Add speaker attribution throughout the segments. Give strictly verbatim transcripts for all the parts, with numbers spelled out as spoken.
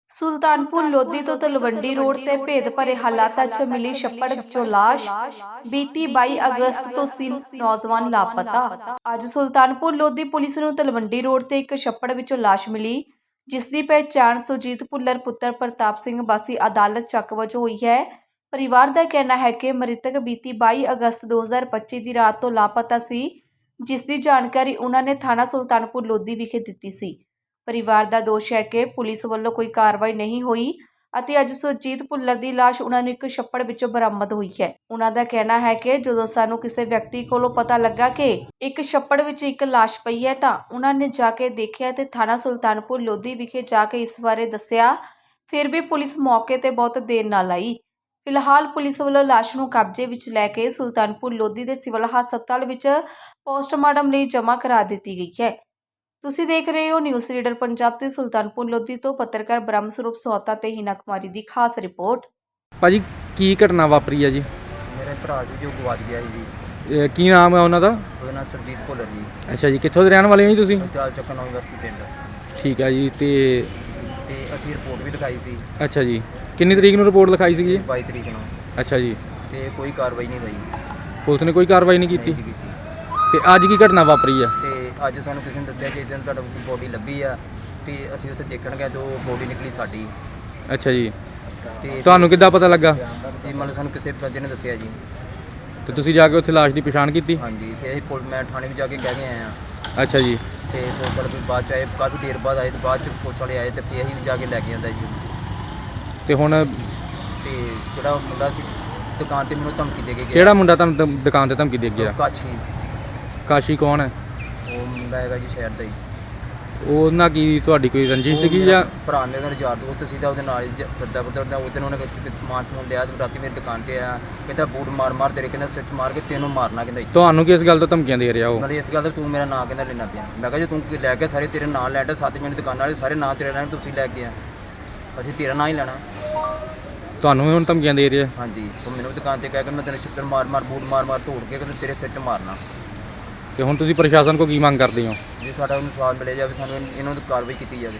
Speaker 1: ਸੁਲਤਾਨਪੁਰ ਲੋਧੀ ਤੋਂ ਤਲਵੰਡੀ ਰੋਡ ਤੇ ਭੇਦ ਭਰੇ ਹਾਲਾਤਾਂ 'ਚ ਮਿਲੀ ਛੱਪੜ ਵਿੱਚੋਂ ਲਾਸ਼। ਬੀਤੀ ਬਾਈ ਅਗਸਤ ਤੋਂ ਤਿੰਨ ਨੌਜਵਾਨ ਲਾਪਤਾ। ਅੱਜ ਸੁਲਤਾਨਪੁਰ ਲੋਧੀ ਪੁਲਿਸ ਨੂੰ ਤਲਵੰਡੀ ਰੋਡ ਤੇ ਇੱਕ ਛੱਪੜ ਵਿੱਚੋਂ ਲਾਸ਼ ਮਿਲੀ, ਜਿਸ ਦੀ ਪਹਿਚਾਣ ਸੁਰਜੀਤ ਭੁੱਲਰ ਪੁੱਤਰ ਪ੍ਰਤਾਪ ਸਿੰਘ ਵਾਸੀ ਅਦਾਲਤ ਚੱਕ ਵਜੋਂ ਹੋਈ ਹੈ। ਪਰਿਵਾਰ ਦਾ ਕਹਿਣਾ ਹੈ ਕਿ ਮ੍ਰਿਤਕ ਬੀਤੀ ਬਾਈ ਅਗਸਤ ਦੋ ਹਜ਼ਾਰ ਪੱਚੀ ਦੀ ਰਾਤ ਤੋਂ ਲਾਪਤਾ ਸੀ, ਜਿਸ ਦੀ ਜਾਣਕਾਰੀ ਉਹਨਾਂ ਨੇ ਥਾਣਾ ਸੁਲਤਾਨਪੁਰ ਲੋਧੀ ਵਿਖੇ ਦਿੱਤੀ ਸੀ। ਪਰਿਵਾਰ ਦਾ ਦੋਸ਼ ਹੈ ਕਿ ਪੁਲਿਸ ਵੱਲੋਂ ਕੋਈ ਕਾਰਵਾਈ ਨਹੀਂ ਹੋਈ ਅਤੇ ਅੱਜ ਸੁਰਜੀਤ ਭੁੱਲਰ ਦੀ ਲਾਸ਼ ਉਹਨਾਂ ਨੂੰ ਇੱਕ ਛੱਪੜ ਵਿੱਚੋਂ ਬਰਾਮਦ ਹੋਈ ਹੈ। ਉਹਨਾਂ ਦਾ ਕਹਿਣਾ ਹੈ ਕਿ ਜਦੋਂ ਸਾਨੂੰ ਕਿਸੇ ਵਿਅਕਤੀ ਕੋਲੋਂ ਪਤਾ ਲੱਗਾ ਕਿ ਇੱਕ ਛੱਪੜ ਵਿੱਚ ਇੱਕ ਲਾਸ਼ ਪਈ ਹੈ ਤਾਂ ਉਹਨਾਂ ਨੇ ਜਾ ਕੇ ਦੇਖਿਆ ਤੇ ਥਾਣਾ ਸੁਲਤਾਨਪੁਰ ਲੋਧੀ ਵਿਖੇ ਜਾ ਕੇ ਇਸ ਬਾਰੇ ਦੱਸਿਆ। ਫਿਰ ਵੀ ਪੁਲਿਸ ਮੌਕੇ ਤੇ ਬਹੁਤ ਦੇਰ ਨਾਲ ਆਈ। ਫਿਲਹਾਲ ਪੁਲਿਸ ਵੱਲੋਂ ਲਾਸ਼ ਨੂੰ ਕਬਜ਼ੇ ਵਿੱਚ ਲੈ ਕੇ ਸੁਲਤਾਨਪੁਰ ਲੋਧੀ ਦੇ ਸਿਵਲ ਹਸਪਤਾਲ ਵਿੱਚ ਪੋਸਟਮਾਰਟਮ ਲਈ ਜਮ੍ਹਾਂ ਕਰਾ ਦਿੱਤੀ ਗਈ ਹੈ। ਤੁਸੀਂ ਦੇਖ ਰਹੇ ਹੋ ਨਿਊਜ਼ ਰੀਡਰ ਪੰਜਾਬ ਤੇ ਸੁਲਤਾਨਪੁਰ ਲੋਧੀ ਤੋਂ ਪੱਤਰਕਾਰ ਬ੍ਰਹਮ ਸਰੂਪ ਸੋਹਤਾ ਤੇ ਹੀਨਾ ਕੁਮਾਰੀ ਦੀ ਖਾਸ ਰਿਪੋਰਟ।
Speaker 2: ਭਾਜੀ ਕੀ ਘਟਨਾ ਵਾਪਰੀ ਹੈ ਜੀ?
Speaker 3: ਮੇਰੇ ਭਰਾ ਸੀ ਜੋ ਗਵਾਚ ਗਿਆ ਸੀ ਜੀ।
Speaker 2: ਇਹ ਕੀ ਨਾਮ ਹੈ ਉਹਨਾਂ ਦਾ?
Speaker 3: ਉਹਦਾ ਨਾਮ ਸੁਰਜੀਤ ਭੁੱਲਰ ਜੀ।
Speaker 2: ਅੱਛਾ ਜੀ, ਕਿੱਥੋਂ ਦੇ ਰਹਿਣ ਵਾਲੇ ਹੋ ਜੀ ਤੁਸੀਂ?
Speaker 3: ਚਾਲ ਚੱਕਰ ਨੌਂ ਬਸਤੀ ਪਿੰਡ।
Speaker 2: ਠੀਕ ਹੈ ਜੀ। ਤੇ
Speaker 3: ਤੇ ਅਸੀਂ ਰਿਪੋਰਟ ਵੀ ਲਿਖਾਈ ਸੀ।
Speaker 2: ਅੱਛਾ ਜੀ, ਕਿੰਨੀ ਤਰੀਕ ਨੂੰ ਰਿਪੋਰਟ ਲਿਖਾਈ ਸੀਗੀ ਜੀ?
Speaker 3: ਬਾਈ ਤਰੀਕ ਨੂੰ।
Speaker 2: ਅੱਛਾ ਜੀ,
Speaker 3: ਤੇ ਕੋਈ ਕਾਰਵਾਈ ਨਹੀਂ ਹੋਈ।
Speaker 2: ਪੁਲਿਸ ਨੇ ਕੋਈ ਕਾਰਵਾਈ ਨਹੀਂ ਕੀਤੀ?
Speaker 3: ਨਹੀਂ ਕੀਤੀ।
Speaker 2: ਤੇ ਅੱਜ ਕੀ ਘਟਨਾ ਵਾਪਰੀ ਹੈ?
Speaker 3: ਤੇ ਅੱਜ ਸਾਨੂੰ ਕਿਸੇ ਨੇ ਦੱਸਿਆ ਕਿ ਦਿਨ ਤੁਹਾਡਾ ਬੋਡੀ ਲੱਭੀ ਆ ਤੇ ਅਸੀਂ ਉੱਥੇ ਦੇਖਣ ਗਏ ਤਾਂ ਬੋਡੀ ਨਿਕਲੀ ਸਾਡੀ।
Speaker 2: ਅੱਛਾ ਜੀ,
Speaker 3: ਤੇ
Speaker 2: ਤੁਹਾਨੂੰ ਕਿੱਦਾਂ ਪਤਾ ਲੱਗਾ?
Speaker 3: ਇਹ ਮਤਲਬ ਸਾਨੂੰ ਕਿਸੇ ਬੰਦੇ ਨੇ ਦੱਸਿਆ ਜੀ।
Speaker 2: ਤੇ ਤੁਸੀਂ ਜਾ ਕੇ ਉੱਥੇ ਲਾਸ਼ ਦੀ ਪਛਾਣ ਕੀਤੀ?
Speaker 3: ਹਾਂਜੀ, ਫਿਰ ਅਸੀਂ ਪੁਲ ਮੈਂ ਥਾਣੇ ਵੀ ਜਾ ਕੇ ਕਹਿ ਕੇ ਆਏ ਹਾਂ।
Speaker 2: ਅੱਛਾ ਜੀ।
Speaker 3: ਤੇ ਪੁਲਿਸ ਵਾਲੇ ਵੀ ਬਾਅਦ 'ਚ ਆਏ, ਕਾਫੀ ਦੇਰ ਬਾਅਦ ਆਏ ਤੇ ਬਾਅਦ 'ਚ ਪੁਲਿਸ ਵਾਲੇ ਆਏ ਤੇ ਫਿਰ ਅਸੀਂ ਵੀ ਜਾ ਕੇ ਲੈ ਕੇ ਆਂਦਾ ਜੀ।
Speaker 2: ਤੇ ਹੁਣ
Speaker 3: ਤੇ ਜਿਹੜਾ ਮੁੰਡਾ ਸੀ ਦੁਕਾਨ ਤੇ ਮੈਨੂੰ ਧਮਕੀ ਦੇ ਕੇ ਗਿਆ।
Speaker 2: ਕਿਹੜਾ ਮੁੰਡਾ ਤੁਹਾਨੂੰ ਧਮ- ਦੁਕਾਨ ਤੇ ਧਮਕੀ ਦੇ ਗਿਆ?
Speaker 3: ਕਾਛੀ।
Speaker 2: ਕਾਸ਼ੀ ਕੌਣ ਹੈ?
Speaker 3: ਉਹ ਮੁੰਡਾ ਹੈਗਾ ਜੀ ਸ਼ਹਿਰ ਦਾ ਹੀ।
Speaker 2: ਉਹਨਾਂ ਕੀ ਤੁਹਾਡੀ ਕੋਈ ਰੰਜਿਸ਼
Speaker 3: ਉਹ
Speaker 2: ਸੀਗੀ
Speaker 3: ਮੇਰਾ
Speaker 2: ਜਾਂ?
Speaker 3: ਭਰਾ ਮੇਰੇ ਨਾਲ ਯਾਰ ਦੋਸਤ ਸੀਗਾ, ਉਹਦੇ ਨਾਲ ਹੀ ਫਿਰਦਾ ਫਿਰਦਾ ਉਹ ਦਿਨ ਉਹਨੇ ਕੁਝ ਸਮਾਨ ਸਮੂਨ ਲਿਆ ਤੇ ਰਾਤੀ ਮੇਰੀ ਦੁਕਾਨ ਤੇ ਆਇਆ, ਕਹਿੰਦਾ ਬੂਟ ਮਾਰ ਮਾਰ ਤੇਰੇ, ਕਹਿੰਦਾ ਸਿਰ 'ਚ ਮਾਰ ਕੇ ਤੈਨੂੰ ਮਾਰਨਾ, ਕਹਿੰਦਾ ਇੱਥੇ।
Speaker 2: ਤੁਹਾਨੂੰ ਕਿਸ ਗੱਲ ਤੋਂ ਧਮਕੀਆਂ ਦੇ ਰਿਹਾ ਉਹ?
Speaker 3: ਮਤਲਬ ਇਸ ਗੱਲ ਦਾ ਤੂੰ ਮੇਰਾ ਨਾਂ ਕਹਿੰਦਾ ਲੈਣਾ ਪਿਆ। ਮੈਂ ਕਿਹਾ ਜੇ ਤੂੰ ਲੈ ਕੇ ਸਾਰੇ ਤੇਰੇ ਨਾਂ ਲੈਣ ਸੱਤ ਮਿੰਟ ਦੁਕਾਨਾਂ ਵਾਲੇ ਸਾਰੇ ਨਾਂ ਤੇਰੇ ਲੈਣ, ਤੁਸੀਂ ਲੈ ਕੇ ਆ, ਅਸੀਂ ਤੇਰਾ ਨਾਂ ਹੀ ਲੈਣਾ।
Speaker 2: ਤੁਹਾਨੂੰ ਵੀ ਹੁਣ ਧਮਕੀਆਂ ਦੇ ਰਿਹਾ?
Speaker 3: ਹਾਂਜੀ, ਉਹ ਮੈਨੂੰ ਦੁਕਾਨ ਤੇ ਕਹਿ ਕੇ ਮੈਂ ਤੈਨੂੰ ਛਿੱਤਰ ਮਾਰ ਮਾਰ ਬੂਟ ਮਾਰ ਮਾਰ ਤੋੜ ਕੇ ਕਹਿੰਦਾ ਤੇਰੇ ਸਿਰ 'ਚ ਮਾਰਨਾ।
Speaker 2: ਤੇ ਹੁਣ ਤੁਸੀਂ ਪ੍ਰਸ਼ਾਸਨ ਕੋਲ ਕੀ ਮੰਗ ਕਰਦੇ ਹੋ?
Speaker 3: ਜੇ ਸਾਡਾ ਉਹਨੂੰ ਸਵਾਲ ਮਿਲਿਆ ਜਾਵੇ, ਸਾਨੂੰ ਇਹਨਾਂ ਦੀ ਕਾਰਵਾਈ ਕੀਤੀ ਜਾਵੇ।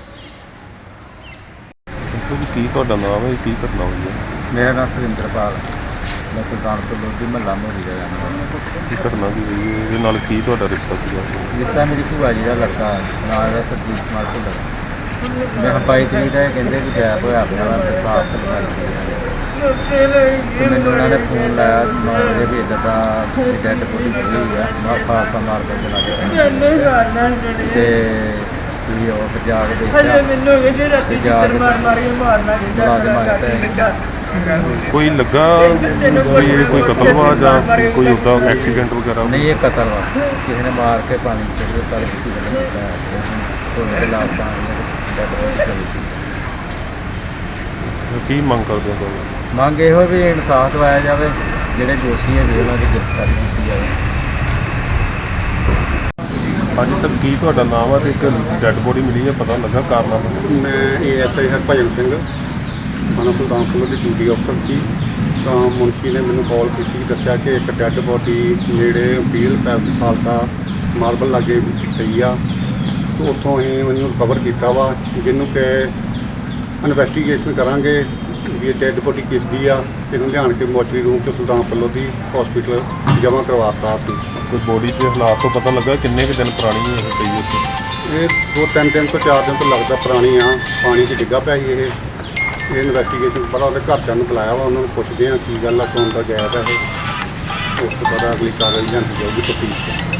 Speaker 4: ਕੀ ਤੁਹਾਡਾ ਨਾਮ ਹੈ? ਕੀ ਘਟਨਾ ਹੋਈ ਹੈ?
Speaker 5: ਮੇਰਾ ਨਾਮ ਸੁਰਿੰਦਰਪਾਲ, ਮੈਂ ਸੁਲਤਾਨਪੁਰ ਲੋਧੀ ਮਹੱਲਾ ਮੋਰੀ ਦਾ ਰਹਿਣ ਵਾਲਾ।
Speaker 4: ਕੀ ਘਟਨਾ ਕੀ ਹੋਈ ਹੈ? ਇਹਦੇ ਨਾਲ ਕੀ ਤੁਹਾਡਾ ਰਿਸ਼ਤਾ ਸੀਗਾ?
Speaker 5: ਜਿਸ ਤਰ੍ਹਾਂ ਮੇਰੀ ਭੂਆ ਜੀ ਦਾ ਲੜਕਾ ਨਾਲ ਦਾ ਸਰਜੀਤ ਕੁਮਾਰ ਭੁੱਲਰ, ਮੈਂ ਬਾਈ ਤਰੀਕ ਦਾ ਇਹ ਕਹਿੰਦੇ ਕਿ ਗੈਪ ਹੋਇਆ ਪਿਆ ਵਾ ਦਰਖਾਸਤ ਲਗਾਈ। ਤੇ ਮੈਨੂੰ ਉਹਨਾਂ ਨੇ ਫੋਨ ਲਾਇਆ ਨੌ ਵਜੇ ਵੀ ਇੱਦਾਂ ਦਾ ਡੈਡ ਬੋਡੀ ਮਿਲੀ ਹੋਈ ਆ ਖਾਲਸਾ ਮਾਰਕੀਟ ਦੇ ਲਾਗੇ। ਤੇ ਵੀ ਉਹ ਜਾ ਕੇ ਦੇਖਿਆ ਤੇ ਜਾ ਕੇ ਮੁਲਾਜ਼ਮ ਆਇਆ ਤੇ
Speaker 4: ਕੋਈ ਲੱਗਾ ਕੋਈ ਇਹ ਕੋਈ ਕਤਲ ਵਾ ਜਾਂ ਕੋਈ ਉੱਦਾਂ ਐਕਸੀਡੈਂਟ ਵਗੈਰਾ?
Speaker 5: ਨਹੀਂ, ਇਹ ਕਤਲ ਵਾ, ਕਿਸੇ ਨੇ ਮਾਰ ਕੇ ਪਾਣੀ ਸੁੱਟ ਦਿੱਤਾ। ਕਿਸੇ ਨੇ ਧੋਣੇ ਦੇ ਲਾਭ ਪਾਣੀ।
Speaker 4: ਕੀ ਮੰਗ ਕਰਦੇ ਹੋ ਤੁਸੀਂ?
Speaker 5: ਮੰਗ ਇਹੋ ਵੀ ਇਨਸਾਫ ਦਿਵਾਇਆ ਜਾਵੇ, ਜਿਹੜੇ ਦੋਸ਼ੀ ਹੈਗੇ ਉਹਨਾਂ ਦੀ ਗ੍ਰਿਫਤਾਰੀ ਕੀਤੀ ਜਾਵੇ।
Speaker 4: ਅੱਜ ਤੱਕ ਕੀ ਤੁਹਾਡਾ ਨਾਮ ਹੈ ਤੇ ਇੱਕ ਡੈੱਡ ਬੋਡੀ ਮਿਲੀ ਹੈ, ਪਤਾ ਲੱਗਾ ਕਾਰਨਾਮਾ?
Speaker 6: ਮੈਂ A S I Harbhajan Singh, ਥਾਣਾ ਸੁਲਤਾਨਪੁਰ ਦੀ ਡਿਊਟੀ ਅਫਸਰ ਸੀ। ਤਾਂ ਮੁਨਸ਼ੀ ਨੇ ਮੈਨੂੰ ਕਾਲ ਕੀਤੀ, ਦੱਸਿਆ ਕਿ ਇੱਕ ਡੈੱਡ ਬੋਡੀ ਨੇੜੇ ਵੀਲ ਪੈਸ ਖਾਲਸਾ ਮਾਰਬਲ ਲਾਗੇ ਪਈ ਆ। ਤੇ ਉੱਥੋਂ ਅਸੀਂ ਉਹਨੂੰ ਰਿਕਵਰ ਕੀਤਾ ਵਾ, ਜਿਹਨੂੰ ਕਿ ਇਨਵੈਸਟੀਗੇਸ਼ਨ ਕਰਾਂਗੇ ਵੀ ਇਹ ਡੈੱਡ ਬੋਡੀ ਕਿਸ ਦੀ ਆ। ਇਹਨੂੰ ਲਿਆਣ ਕੇ ਮੋਚਰੀ ਰੂਮ 'ਚ ਸੁਲਤਾਨਪੁਰ ਲੋਧੀ ਹਸਪੀਟਲ ਜਮ੍ਹਾਂ ਕਰਵਾਤਾ ਸੀ।
Speaker 4: ਕੋਈ ਬੋਡੀ ਦੇ ਹਾਲਾਤ ਤੋਂ ਪਤਾ ਲੱਗਾ ਕਿੰਨੇ ਕੁ ਦਿਨ ਪੁਰਾਣੀ ਇਹ ਪਈ ਉੱਥੇ?
Speaker 6: ਇਹ ਦੋ ਤਿੰਨ ਦਿਨ ਤੋਂ ਚਾਰ ਦਿਨ ਤੋਂ ਲੱਗਦਾ ਪੁਰਾਣੀ ਆ, ਪਾਣੀ 'ਚ ਡਿੱਗਾ ਪਿਆ ਸੀ ਇਹ। ਇਹ ਇਨਵੈਸਟੀਗੇਸ਼ਨ ਪਹਿਲਾਂ ਉਹਦੇ ਘਰਦਿਆਂ ਨੂੰ ਬੁਲਾਇਆ ਵਾ, ਉਹਨਾਂ ਨੂੰ ਪੁੱਛਦੇ ਆ ਕੀ ਗੱਲ ਆ, ਕੌਣ ਦਾ ਗਾਇਬ ਹੈ ਇਹ। ਉਸ ਤੋਂ ਬਾਅਦ ਅਗਲੀ ਕਾਰਵਾਈ ਜਾਂਦੀ ਜਾਊਗੀ ਤਫਤੀਸ਼ 'ਚ।